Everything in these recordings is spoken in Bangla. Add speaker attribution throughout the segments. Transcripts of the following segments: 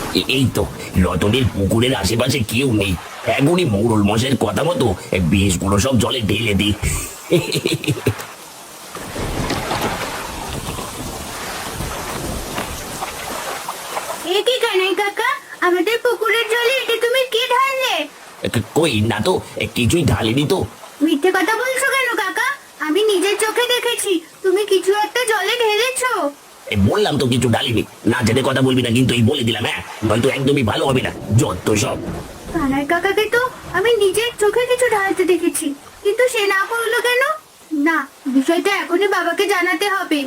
Speaker 1: এই তো রতনের পুকুরের আশেপাশে কেউ নেই। এখনই মোড়ল মশাইয়ের কথা মতো বিষগুলো সব জলে ঢেলে দিই।
Speaker 2: এ কি কানাই কাকা, আমাদের পুকুরের জলে এটা তুমি কি ঢাললে?
Speaker 1: কই না তো, কিছুই ঢালিনি তো।
Speaker 2: মিথ্যে কথা বলছো কেন কাকা? আমি নিজের চোখে দেখেছি তুমি কিছু একটা জলে ঢেলেছো।
Speaker 1: বললাম তো কিছু ঢালিনি। না জেনে কথা বলবি না কিন্তু, এই বলে দিলাম, হ্যাঁ নয়তো একদমই ভালো হবে না। যত সব।
Speaker 2: কানাই কাকাকে তো আমি নিজের চোখে কিছু ঢালতে দেখেছি, কিন্তু সে না করলো কেন? না, বিষয়টা এখনই বাবাকে জানাতে হবে।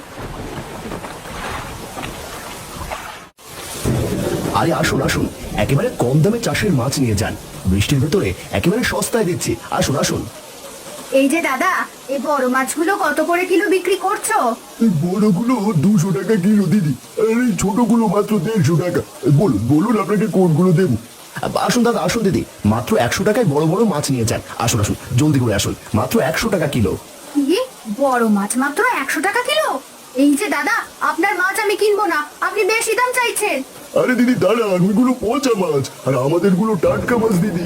Speaker 3: আরে আসুন আসুন, একেবারে কম দামে চাষের মাছ নিয়ে যান। বৃষ্টির ভেতরে একেবারে সস্তায় দিচ্ছি, আসুন আসুন।
Speaker 2: এই যে দাদা, এই বড় মাছগুলো কত করে কিলো বিক্রি করছো?
Speaker 4: এই বড়গুলো 200 টাকা কিলো দিদি, আর এই ছোটগুলো মাত্র 150 টাকা। বলুন বলুন আপনাকে কোনগুলো দেবো?
Speaker 3: আসুন দাদা আসুন দিদি, মাত্র 100 টাকায় বড় বড় মাছ নিয়ে যান। আসুন আসুন, জলদি করে আসুন, মাত্র 100 টাকা কিলো।
Speaker 2: কি, বড় মাছ মাত্র 100 টাকা কিলো? এই যে দাদা, আপনার মাছ আমি কিনবো না, আপনি বেশি দাম চাইছেন।
Speaker 4: আরে দিদি দাঁড়ান, ওইগুলো পচা মাছ আর আমাদের গুলো টাটকা মাছ দিদি।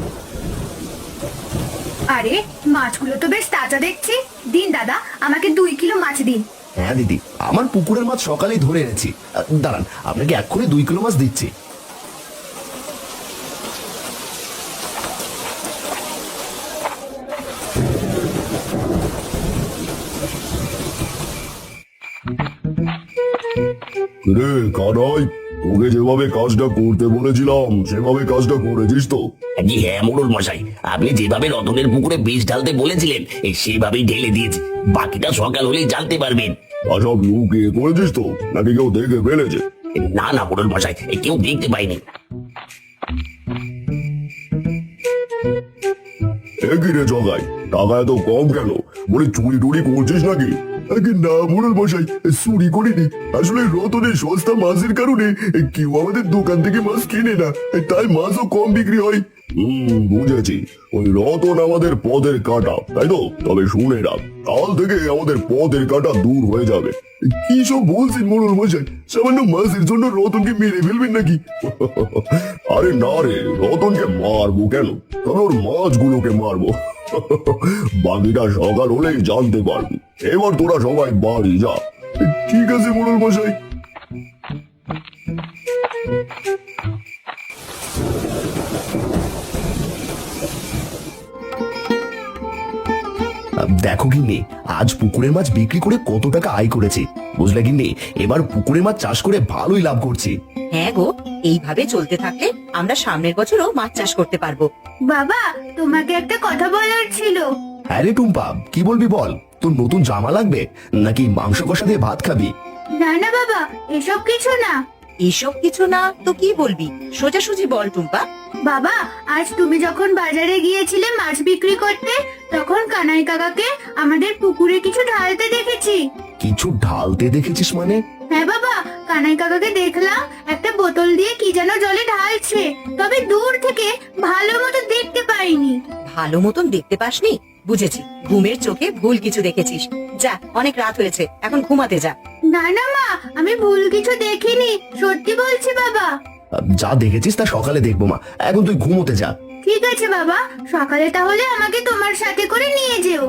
Speaker 2: আরে মাছগুলো তো বেশ তাজা দেখছি। দিন দাদা, আমাকে 2 কিলো মাছ দিন।
Speaker 3: হ্যাঁ দিদি, আমার পুকুরের মাছ সকালেই ধরে এনেছি। দাঁড়ান, আপনাকে এক্ষুনি 2 কিলো মাছ দিচ্ছি।
Speaker 4: রে কানাই, তোকে যেভাবে কাজটা করতে বলেছিলাম সেভাবে কাজটা করেছিস তো?
Speaker 1: জি হ্যাঁ মোড়ল মশাই, আপনি যেভাবে রতনের পুকুরে বিষ ঢালতে বলেছিলেন সেভাবেই ঢেলে দিয়েছি। বাকিটা সকাল হলেই জানতে পারবেন।
Speaker 4: সব লুকিয়ে করেছিস তো, নাকি কেউ দেখে ফেলেছে?
Speaker 1: না না মোড়ল মশাই, কেউ দেখতে পাইনি।
Speaker 4: একই রে জগাই, টাকা এত কম কেন? বলে চুরি টুরি করছিস নাকি? আগে না মোড়ল মশাই, চুরি করিনি। আসলে রতনের সস্তা মাছের কারণে কেউ আমাদের দোকান থেকে মাছ কিনে না, তাই মাছও কম বিক্রি হয়। বুঝেছি। ওই রতন আমাদের পদের কাটা, তাই তো? তবে শুনে রাখ, কাল থেকে আমাদের পদের কাটা দূর হয়ে যাবে। কি সব বলছেন মোড়ল মশাই? সামান্য মাছের জন্য রতনকে মেরে ফেলবেন নাকি? আরে না রে, রতনকে মারবো কেন, তবে ওর মাছগুলোকে মারবো। বাকিটা সকাল হলেই জানতে পারবি। এবার তোরা সবাই বাড়ি যা। ঠিক আছে মোড়ল মশাই।
Speaker 3: দেখো গিন্নি, আজ পুকুরের মাছ বিক্রি করে কত টাকা আয় করেছি, বুঝলে গিন্নি? এবার পুকুরের মাছ চাষ করে ভালোই লাভ করছি।
Speaker 5: হ্যাঁ গো, এইভাবে চলতে থাকলে আমরা সামনের বছরও মাছ চাষ করতে পারবো।
Speaker 2: বাবা, তোমাকে একটা কথা বলার ছিল।
Speaker 3: হ্যাঁ রে টুম্পা, কি বলবি বল। তোর নতুন জামা লাগবে নাকি মাংস কষা দিয়ে ভাত খাবি?
Speaker 2: না না বাবা, এসব কিছু না।
Speaker 5: এসব কিছু না তো কি বলবি? সোজাসুজি বল টুম্পা।
Speaker 2: বাবা, আজ তুমি যখন বাজারে গিয়েছিলে মাছ বিক্রি করতে, তখন কানাই কাকাকে আমাদের পুকুরে কিছু ঢালতে দেখেছি।
Speaker 3: কিছু ঢালতে দেখেছিস মানে?
Speaker 2: হ্যাঁ বাবা, কানাই কাকাকে দেখলাম একটা বোতল দিয়ে কি যেন জলে ঢালছে, তবে দূর থেকে ভালো মতো দেখতে পাইনি।
Speaker 5: ভালো মতন দেখতে পাসনি? বুঝেছি, ঘুমের চোখে ভুল কিছু দেখেছিস। যা, অনেক রাত হয়েছে, এখন ঘুমাতে যা।
Speaker 2: না না মা, আমি ভুল কিছু দেখিনি, সত্যি বলছি বাবা।
Speaker 3: যা দেখেছিস তা সকালে দেখবো মা, এখন তুই ঘুমোতে যা।
Speaker 2: ঠিক আছে বাবা, সকালে তাহলে আমাকে তোমার সাথে করে নিয়ে যেও।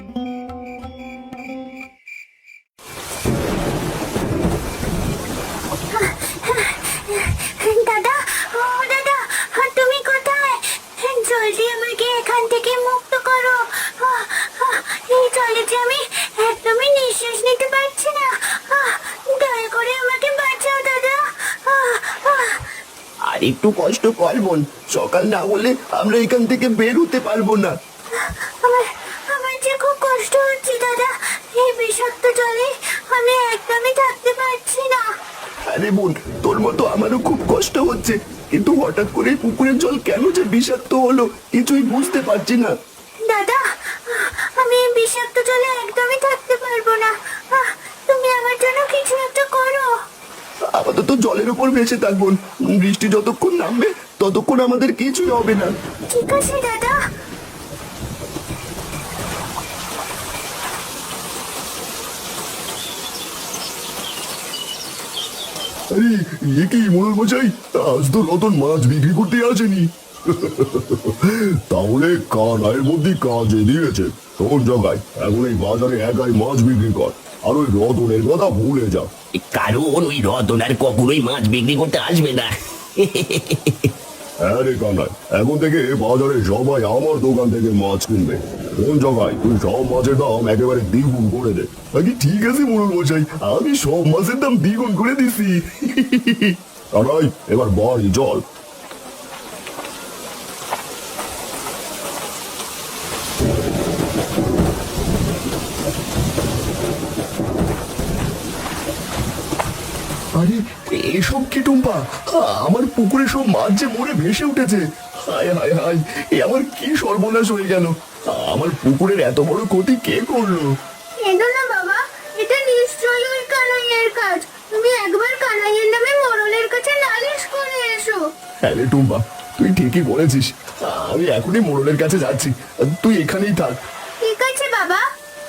Speaker 2: দাদা, ও দাদা, তুমি কোথায়? জলদি আমাকে এখান থেকে মুক্ত করো। এই জলে যে আমি একদমই নিঃশ্বাস নিতে পারছি না। দয়া করে আমাকে বাঁচাও দাদা।
Speaker 3: আর একটু কষ্ট কর বোন, সকাল না হলে আমরা এখান থেকে বের হতে পারবো না।
Speaker 2: আমার আমার যে খুব কষ্ট হচ্ছে দাদা, এই বিষাক্ত জলে আমি একদমই থাকতে পারছি না।
Speaker 3: আরে বোন, তোর মতো আমারও খুব কষ্ট হচ্ছে, কিন্তু হঠাৎ করে পুকুরের জল কেন যে বিষাক্ত হলো কিছুই বুঝতে পারছি না।
Speaker 2: দাদা, আমি এই বিষাক্ত জলে একদমই থাকতে পারবো না। তুমি আমার জন্য কিছু একটা করো।
Speaker 3: আপাতত জলের উপর ভেসে থাক বোন, বৃষ্টি যতক্ষণ নামবে ততক্ষণ আমাদের কিছুই হবে না।
Speaker 2: ঠিক আছে দাদা।
Speaker 4: আরে এ কি মোড়ল মশাই, আজ তো রতন মাছ বিক্রি করতে আসেনি। তাহলে কানাইয়ের মধ্যে কাজে দিয়েছে। শোন জগাই, এখন এই বাজারে একাই মাছ বিক্রি কর, আর ওই রতনের কথা ভুলে যা।
Speaker 1: কারণ ওই রতন আর কখনোই মাছ বিক্রি করতে আসবে না।
Speaker 4: হ্যাঁ রে কানাই, এখন থেকে বাজারে সবাই আমার দোকান থেকে মাছ কিনবে। কোন জগাই, তুই সব মাছের দাম একেবারে দ্বিগুণ করে দে। আগে ঠিক আছে মোড়ল মশাই, আমি সব মাছের দাম দ্বিগুণ করে দিছি। কানাই, এবার বাড়ি চল।
Speaker 3: আরে এসব কি টুম্পা, আমার পুকুরে সব মাছ যে মরে ভেসে উঠেছে। হায় হায় হায়, এ আমার কি সর্বনাশ হয়ে গেল। আমার পুকুরের এত বড় ক্ষতি কে করলো?
Speaker 2: এদো না বাবা, এটা নিশ্চয়ই ওই কানাইয়ের কাজ। তুমি একবার কানাইয়ের নামে মোড়লের কাছে নালিশ করে এসো।
Speaker 3: হ্যাঁ রে টুম্পা, তুই ঠিকই বলেছিস। আমি এখনই মোড়লের কাছে যাচ্ছি, তুই এখানেই থাক।
Speaker 2: ঠিক আছে বাবা।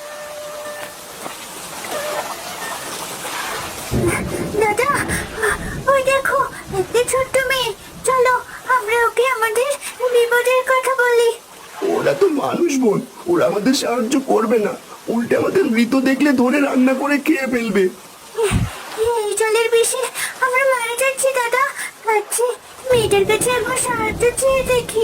Speaker 2: দাদা, ওই দেখো একটা ছোট্ট মেয়ে। চলো আমরা ওকে আমাদের বিপদের কথা বলি।
Speaker 3: ওরা তো মানুষ বোন, ওরা আমাদের সাহায্য করবে না, উল্টে আমাদের মৃত দেখলে ধরে রান্না করে খেয়ে ফেলবে।
Speaker 2: এই জলের বিষে আমরা মারা যাচ্ছি দাদা। আচ্ছা, মেয়েটার কাছে একবার সাহায্য চেয়ে দেখি।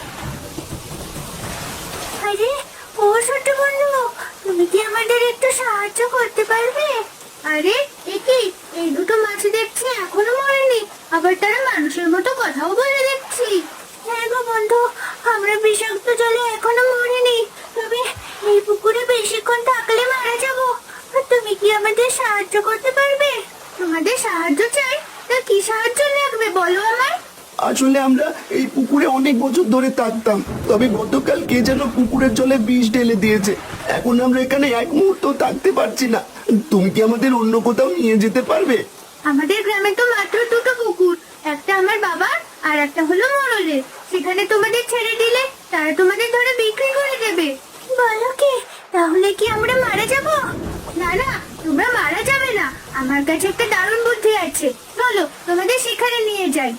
Speaker 2: আরে ও ছোট বন্ধু, তুমি কি আমাদের একটু সাহায্য করতে পারবে? আরে একি, এই দুটো মাছ দেখছি এখনো মরেনি, আবার তারা মানুষের মতো কথাও বলে দেখছি। হ্যাঁ গো বন্ধু, আমরা বিষাক্ত জলে এখনো মরিনি, তবে এই পুকুরে বেশিক্ষণ থাকলে মারা যাবো। তুমি কি আমাদের সাহায্য করতে পারবে? তোমাদের সাহায্য চাই, তা কি সাহায্য লাগবে বলো আমায়।
Speaker 3: আসলে আমরা এই পুকুরে অনেক বছর ধরে থাকতাম, তবে গতকাল কে যেন পুকুরের জলে বিষ ঢেলে দিয়েছে। এখন আমরা এখানে এক মুহূর্ত থাকতে পারছি না। তুমি কি আমাদের অন্য কোথাও নিয়ে যেতে পারবে?
Speaker 2: আমাদের গ্রামে তো মাত্র দুটো পুকুর, একটা আমার বাবার আর একটা হলো মোড়লের। সেখানে তোমাদের ছেড়ে দিলে তারা তোমাদের ধরে বিক্রি করে দেবে। বলো কি, তাহলে কি আমরা মারা যাব? না না, তোমরা মারা যাবে না। আমার কাছে একটা দারুণ বুদ্ধি আছে, চলো তোমাদের সেখানে নিয়ে যাই।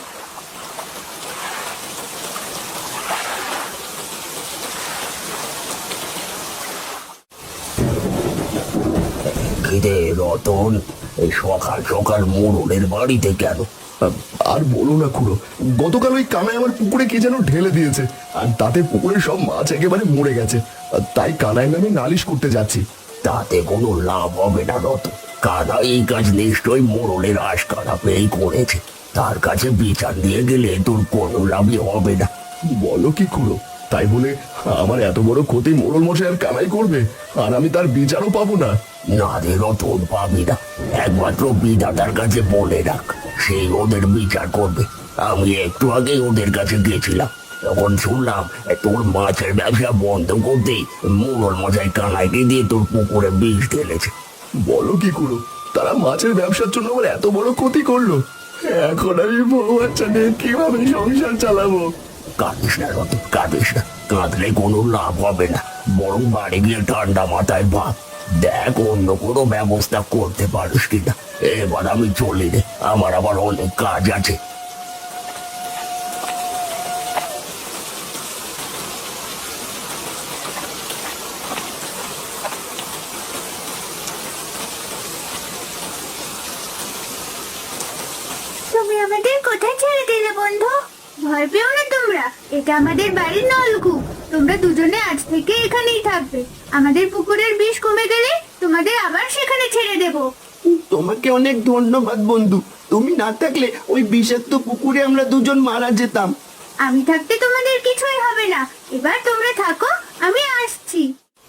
Speaker 1: খিদে রতন, এই সকাল সকাল মোড়লের বাড়িতে কেন?
Speaker 3: আর বলো না খুড়ো, গতকাল ওই কানাই আমার পুকুরে কে যেন ঢেলে দিয়েছে, আর তাতে পুকুরের সব মাছ একেবারে মরে গেছে। তাই কানাই নামে নালিশ করতে যাচ্ছি।
Speaker 1: তাতে কোনো লাভ হবে না রতন। কানা এই কাজ নিশ্চয়ই মোড়লের আশকারা পেয়েই করেছে। তার কাছে বিচার দিয়ে গেলে তোর কোনো লাভই হবে না।
Speaker 3: বলো কি খুড়ো, তাই বলে আমার এত বড় ক্ষতি মোড়ল মশাই আর কানাই করবে, আর আমি তার বিচারও পাবো না?
Speaker 1: না রে রতন, পাবি না। একমাত্র বিধাতার কাছে বলে রাখ, সেই ওদের বিচার করবে। আমি একটু আগে ওদের কাছে গেছিলাম, তখন শুনলাম তোর মাছের ব্যবসা বন্ধ করতে মোড়ল মশাই কানাইকে দিয়ে তোর পুকুরে বিষ ঢেলেছে।
Speaker 3: বলো কি খুড়ো, তারা মাছের ব্যবসার জন্য আমার এত বড় ক্ষতি করলো। এখন আমি বউ বাচ্চা নিয়ে কিভাবে সংসার চালাবো?
Speaker 1: কাঁদিস না রতন, কাঁদিস না। কাঁদলে কোনো লাভ হবে না, বরং বাড়ি গিয়ে ঠান্ডা মাথায় ভাব। দেখ অন্য কোনো ব্যবস্থা করতে পারিস কিনা। এবার আমি চলি রে, আমার আবার অনেক কাজ আছে।
Speaker 2: তুমি আমাদের কোথায় ছেড়ে দিলে বন্ধু? ভয় পেও না তোমরা, এটা আমাদের বাড়ির নলকূপ। তোমরা দুজনে আজ থেকে এখানেই থাকবে। আমাদের পুকুরের বিষ কমে গেলে তোমাদের আবার সেখানে ছেড়ে দেব।
Speaker 3: তোমাকে অনেক ধন্যবাদ বন্ধু, তুমি না থাকলে ওই বিষাক্ত পুকুরে আমরা দুজন মারা যেতাম।
Speaker 2: আমি থাকতে তোমাদের কিছুই হবে না। এবার তোমরা থাকো, আমি আসছি।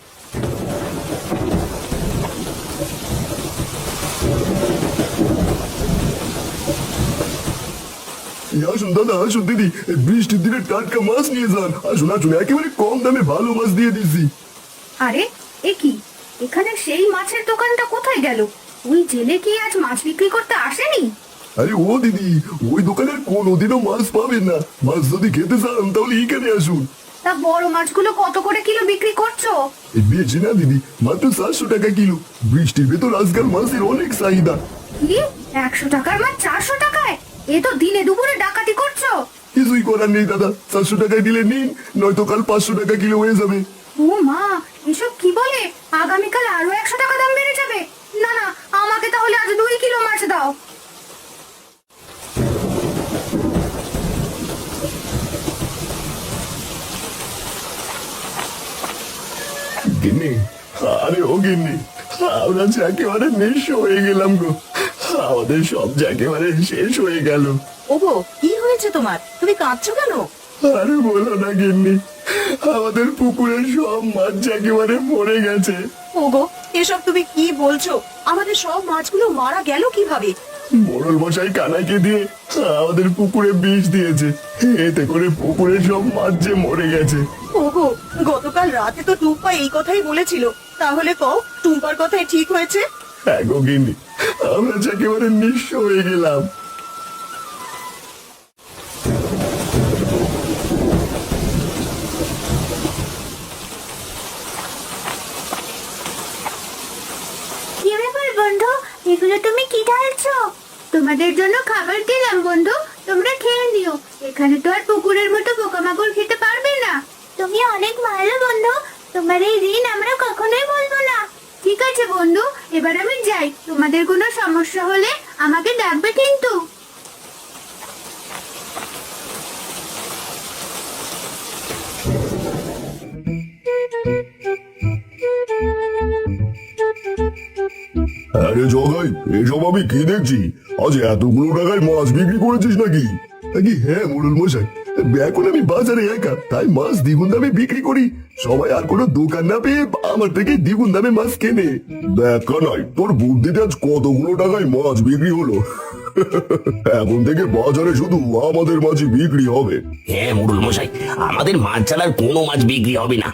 Speaker 4: আসুন দাদা, আসুন দিদি, বৃষ্টির দিনে টাটকা মাছ নিয়ে যান। আসুন আসুন, একেবারে কম দামে ভালো মাছ দিয়ে দিচ্ছি।
Speaker 5: আরে এ কি, এখানে সেই মাছের দোকানটা কোথায় গেল? ওই জেলে কি আজ মাছ বিক্রি করতে আসেনি?
Speaker 4: আরে ও দিদি, ওই দোকানে কোনোদিনও মাছ পাবেন না। মাছ যদি খেতে চান তাহলে এখানে আসুন।
Speaker 5: তা বড় মাছগুলো কত করে কিলো বিক্রি করছো?
Speaker 4: বেশি না দিদি, মাত্র 700 টাকা কিলো। বৃষ্টির ভেতর আজকাল মাছের অনেক চাহিদা।
Speaker 2: কি 100 টাকার মাছ 400 টাকায়? এ তো দিনে দুপুরে ডাকাতি করছো।
Speaker 4: কিছুই করার নেই দাদা, 400 টাকায় দিলে নিন, নয়তো কাল 500 টাকা কিলো হয়ে যাবে।
Speaker 2: ও মা, এসব কি বলে? আগামীকাল আরো 100 টাকা দাম বেড়ে যাবে। না না, আমাকে তাহলে আজ 2 কিলো মাছ দাও।
Speaker 4: গিন্নি, আরে ও গিন্নি, আমরা যে একেবারে নিঃস্ব হয়ে গেলাম গো। আমাদের সব যে একেবারে শেষ হয়ে গেল।
Speaker 5: ওগো, কি হয়েছে তোমার? তুমি কাঁদছো কেন?
Speaker 4: আরে বলো না গিন্নি, আমাদের পুকুরের সব মাছ যে একেবারে মরে গেছে।
Speaker 5: ওগো, এসব তুমি কি বলছো? আমাদের সব মাছগুলো মারা গেল কিভাবে?
Speaker 4: মোড়ল মশাই কানাইকে দিয়ে আমাদের পুকুরে বিষ দিয়েছে, এতে করে পুকুরের সব মাছ যে মরে গেছে।
Speaker 5: ওগো, গতকাল রাতে তো টুম্পা এই কথাই বলেছিল, তাহলে কও টুম্পার কথাই ঠিক হয়েছে?
Speaker 4: হ্যাঁ গো গিন্নি, আমরা যে একেবারে নিঃস্ব হয়ে গেলাম।
Speaker 2: কি ব্যাপার বন্ধু, এগুলো তুমি কি ঢালছো? তোমাদের জন্য খাবার দিলাম বন্ধু, তোমরা খেয়ে নিও। এখানে তো আর পুকুরের মতো পোকামাকড় খেতে পারবে না। তুমি অনেক ভালো বন্ধু, তোমার এই ঋণ আমরা কখনোই বলবো না। ঠিক আছে বন্ধু, এবার আমি যাই। তোমাদের কোনো সমস্যা হলে আমাকে ডাকবে কিন্তু।
Speaker 4: আরে জগাই, এসব আমি কি দেখছি? আজ এতগুলো টাকায় মাছ বিক্রি করেছিস নাকি? নাকি হ্যাঁ মোড়ল মশাই, এখন আমি বাজারে একা, তাই মাছ দ্বিগুণ দামে বিক্রি করি। সবাই আর কোনো দোকান না পেয়ে আমার থেকে দ্বিগুণ দামে মাছ কেনে। দেখা নয়, তোর বুদ্ধিতে আজ কতগুলো টাকায় মাছ বিক্রি হলো। এখন থেকে বাজারে শুধু আমাদের মাছই বিক্রি হবে।
Speaker 1: হ্যাঁ মুরুল মশাই, আমাদের মাছ ছাড়ার কোনো মাছ বিক্রি হবে না।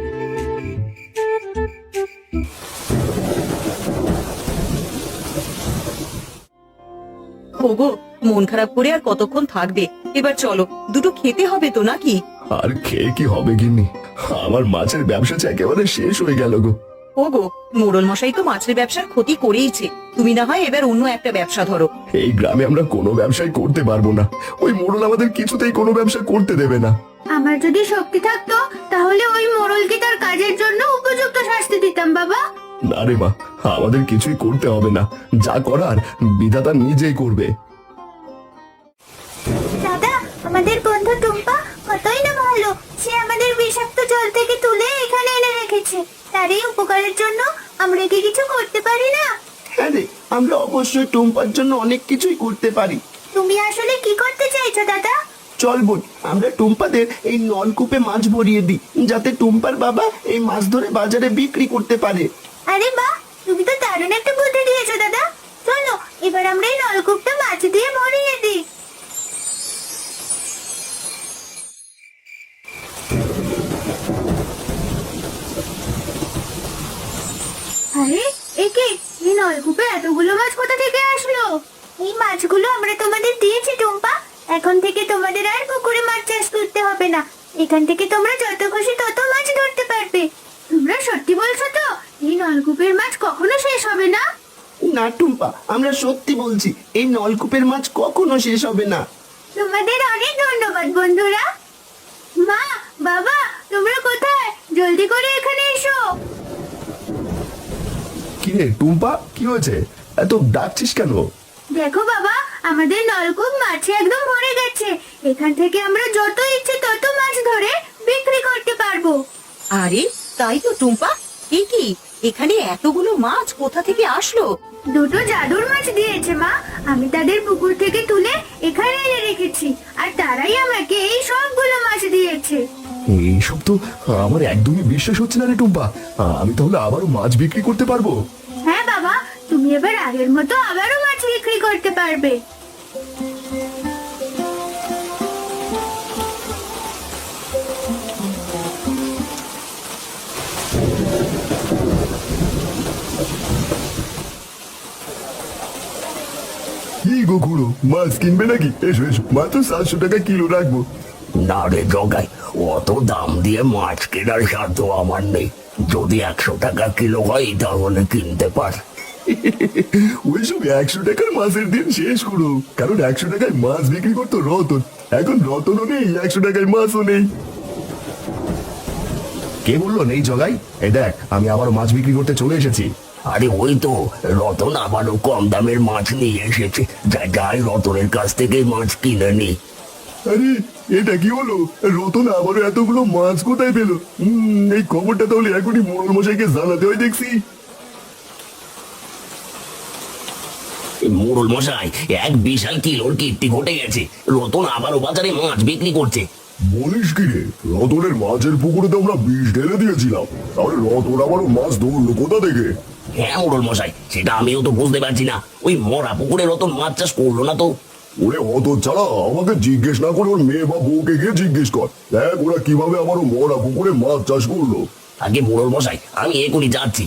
Speaker 5: ওগো, মন খারাপ করে আর কতক্ষণ থাকবে? এবার চলো, দুটো খেতে হবে তো নাকি?
Speaker 4: আর খেয়ে কি হবে গিন্নি, আমার মাছের ব্যবসা যে একেবারে শেষ হয়ে গেল গো।
Speaker 5: ওগো, মোড়ল মশাই তো মাছের ব্যবসার ক্ষতি করেইছে, তুমি না হয় এবার অন্য একটা ব্যবসা ধরো।
Speaker 4: এই গ্রামে আমরা কোনো ব্যবসাই করতে পারবো না, ওই মোড়ল আমাদের কিছুতেই কোনো ব্যবসা করতে দেবে না।
Speaker 2: আমার যদি শক্তি থাকতো তাহলে ওই মোড়লকে তার কাজের জন্য উপযুক্ত শাস্তি দিতাম বাবা।
Speaker 4: না রে মা, আমাদের কিছুই করতে হবে না, যা করার বিধাতা নিজেই করবে।
Speaker 2: দাদা, আমাদের বন্ধু টুম্পা কতই না ভালো। সে আমাদের বিষাক্ত জল থেকে তুলে এখানে এনে রেখেছে। তার এই উপকারের জন্য আমরা কি কিছু করতে পারি না?
Speaker 3: হ্যাঁ রে, আমরা অবশ্যই টুম্পার জন্য অনেক কিছুই করতে পারি।
Speaker 2: তুমি আসলে কি করতে চাইছো দাদা?
Speaker 3: চল বোন, আমরা টুম্পাদের এই নলকূপে মাছ ভরিয়ে দিই, যাতে টুম্পার বাবা এই মাছ ধরে বাজারে বিক্রি করতে পারে।
Speaker 2: আরে বাহ, তুমি তো দারুণ একটা বুদ্ধি দিয়েছো দাদা। চলো এবার আমরা এই নলকূপটা মাছ দিয়ে ভরিয়ে দিই। আরে একে, এই নলকূপে এতগুলো মাছ কোথা থেকে আসলো? এই মাছগুলো আমরা তোমাদের দিয়েছি টুম্পা। এখন থেকে তোমাদের আর পুকুরে মাছ চাষ করতে হবে না। এখান থেকে তোমরা যত খুশি তত মাছ ধরতে পারবে। তোমরা সত্যি বলছো তো? এই নলকূপের মাছ কখনো শেষ হবে না?
Speaker 3: না টুম্পা, আমরা সত্যি বলছি, এই নলকূপের মাছ কখনো শেষ হবে না।
Speaker 2: তোমাদের অনেক ধন্যবাদ বন্ধুরা। মা, বাবা, তোমরা কোথায়? জলদি করে এখানে এসো।
Speaker 4: কি রে টুম্পা, কি হয়েছে? এত ডাকছিস কেন?
Speaker 2: দেখো বাবা, আমাদের নলকূপ মাছে একদম ভরে গেছে। এখান থেকে আমরা যত ইচ্ছে তত মাছ ধরে বিক্রি করতে পারবো।
Speaker 5: আরে তাই তো টুম্পা, এ কি, এখানে এতগুলো মাছ কোথা থেকে আসলো?
Speaker 2: দুটো জাদুর মাছ দিয়েছে মা। আমি তাদের পুকুর থেকে তুলে এখানে এনে রেখেছি, আর তারাই আমাকে এই সবগুলো মাছ দিয়েছে।
Speaker 4: এইসব তো আমার একদমই বিশ্বাস হচ্ছে না রে টুম্পা, আমি তাহলে আবারও মাছ বিক্রি করতে পারবো?
Speaker 2: হ্যাঁ বাবা, তুমি এবার আগের মতো আবারও মাছ বিক্রি করতে পারবে।
Speaker 4: কি গো খুড়ো, মাছ কিনবে নাকি? এসো এসো, মাত্র 700 টাকা কিলো রাখবো।
Speaker 1: না রে জগাই, অত দাম দিয়ে মাছ কেনার সাধ্য আমার নেই। যদি 100 টাকা কিলো হয় তাহলে কিনতে পার।
Speaker 4: ওইসব 100 টাকার মাছের দিন শেষ করো, কারণ 100 টাকায় মাছ বিক্রি করতো রতন। এখন রতনও নেই, 100 টাকায় মাছও নেই। কে বললো নেই জগাই? এই দেখ, আমি আবার মাছ বিক্রি করতে চলে এসেছি।
Speaker 1: আরে ওই তো রতন আবারও কম দামের মাছ নিয়ে এসেছে। যাই রতনের কাছ থেকে মাছ কিনে নি।
Speaker 4: আরে এটা কি হলো? রতন আবারও এতগুলো মাছ কোথায় পেলো? এই খবরটা তাহলে এখনই মোড়ল মশাইকে জানাতে হয় দেখছি।
Speaker 1: মোড়ল মশাই, এক বিশাল কিলোর কীর্তি ঘটে গেছে। রতন আবারও বাজারে মাছ বিক্রি করছে।
Speaker 4: বলিস কি রে? রতনের মাছের পুকুরে তো আমরা বিষ ঢেলে দিয়েছিলাম, তাহলে রতন আবারও মাছ ধরলো কোথা থেকে?
Speaker 1: হ্যাঁ মোড়ল মশাই, সেটা আমিও তো বুঝতে পারছি না। ওই মরা পুকুরে রতন মাছ চাষ করলো না তো।
Speaker 4: ওরে অত ছাড়া আমাকে জিজ্ঞেস না করে ওর মেয়ে বা বউকে গিয়ে জিজ্ঞেস কর, দেখ ওরা কিভাবে আবারও মরা পুকুরে মাছ চাষ করলো।
Speaker 1: আগে মোড়ল মশাই, আমি এখনই যাচ্ছি।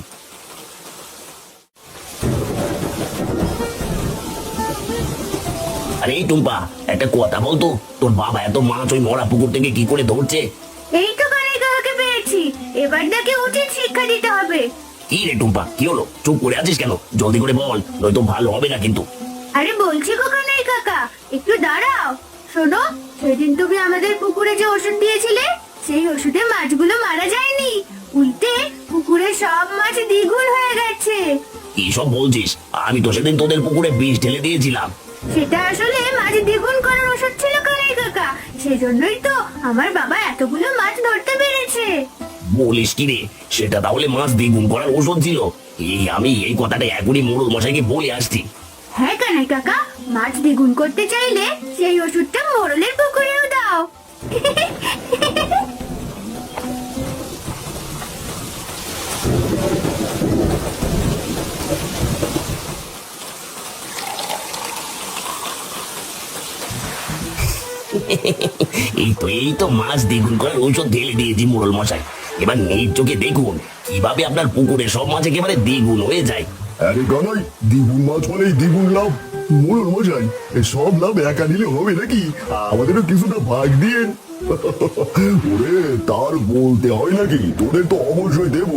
Speaker 1: আরে এই টুম্পা, একটা কথা বলতো, তোর বাবা এত মাছ ওই মরা পুকুর থেকে কি করে ধরছে?
Speaker 2: এই তো কানাই কাকাকে পেয়েছি, এবার তাকে উচিত শিক্ষা দিতে হবে।
Speaker 1: কি রে টুম্পা, কি হলো? চুপ করে আছিস কেন? জলদি করে বল, নয়তো ভালো হবে না কিন্তু।
Speaker 2: আরে বলছি গো কানাই কাকা, একটু দাঁড়াও। শোনো, সেদিন তুমি আমাদের পুকুরে যে ওষুধ দিয়েছিলে, সেই ওষুধে মাছগুলো মারা যায়নি, উল্টে পুকুরে সব মাছ দ্বিগুণ হয়ে গেছে।
Speaker 1: কি সব বলছিস? আমি তো সেদিন তোদের পুকুরে বিষ ঢেলে দিয়েছিলাম।
Speaker 2: সেটা আসলে মাছ দ্বিগুণ করার ওষুধ ছিল কানাই কাকা, সেজন্যই তো আমার বাবা এতগুলো মাছ ধরতে পেরেছে।
Speaker 1: বলিস কি রে? সেটা তাহলে মাছ দ্বিগুণ করার ওষুধ ছিল? আমি এই কথাটা এখনই মোড়ল মশাইকে বলে আসছি।
Speaker 2: হ্যাঁ কানাই কাকা, মাছ দ্বিগুণ করতে চাইলে সেই ওষুধটা মোড়লের পুকুরেও দাও।
Speaker 1: এই তো মাছ দ্বিগুণ করার ঔষধ ঢেলে দিয়েছি মোড়ল মশাই। এবার নিজ চোখে দেখুন কিভাবে আপনার পুকুরে সব মাছ একেবারে দ্বিগুণ হয়ে যায়।
Speaker 4: আরে গানাই, দ্বিগুণ মাছ মানেই দ্বিগুণ লাভ। মোড়ল মশাই, এই সব লাভ একা নিলে হবে নাকি? আমাদেরও কিছুটা ভাগ দিয়ে। ওরে তার বলতে হয় নাকি? তোদের তো অবশ্যই দেবো।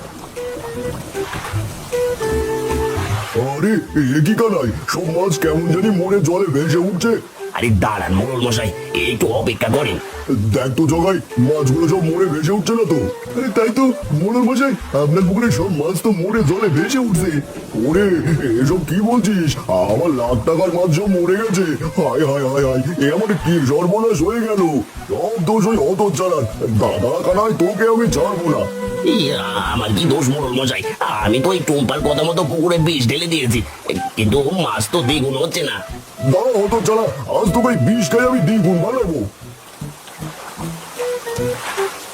Speaker 4: আরে এ কি কানাই, সব মাছ কেমন জানি মরে জলে ভেসে উঠছে।
Speaker 1: আরে দাঁড়ান মোড়ল মশাই, একটু অপেক্ষা করেন।
Speaker 4: দেখ তো জগাই, মাছগুলো সব মরে ভেসে উঠছে না তো? আরে তাই তো মোড়ল মশাই, আপনার পুকুরে সব মাছ তো মরে জলে ভেসে উঠছে। ওরে এসব কি বলছিস? আমার লাখ টাকার মাছ সব মরে গেছে। হায় হায় হায় হায়, এ আমার কি সর্বনাশ হয়ে গেল। সব দোষ ওই অত চালান দাদা কানাই, তোকে আমি ছাড়বো না।
Speaker 1: আমার কি দোষ মোড়ল মশাই? আমি তো ওই টুম্পার কথা মতো পুকুরে বিষ ঢেলে দিয়েছি, কিন্তু মাছ তো দ্বিগুণ হচ্ছে না।
Speaker 4: দাঁড়া অত চালা, আজ তোকে বিষ খাই আমি দ্বিগুণ বানাবো।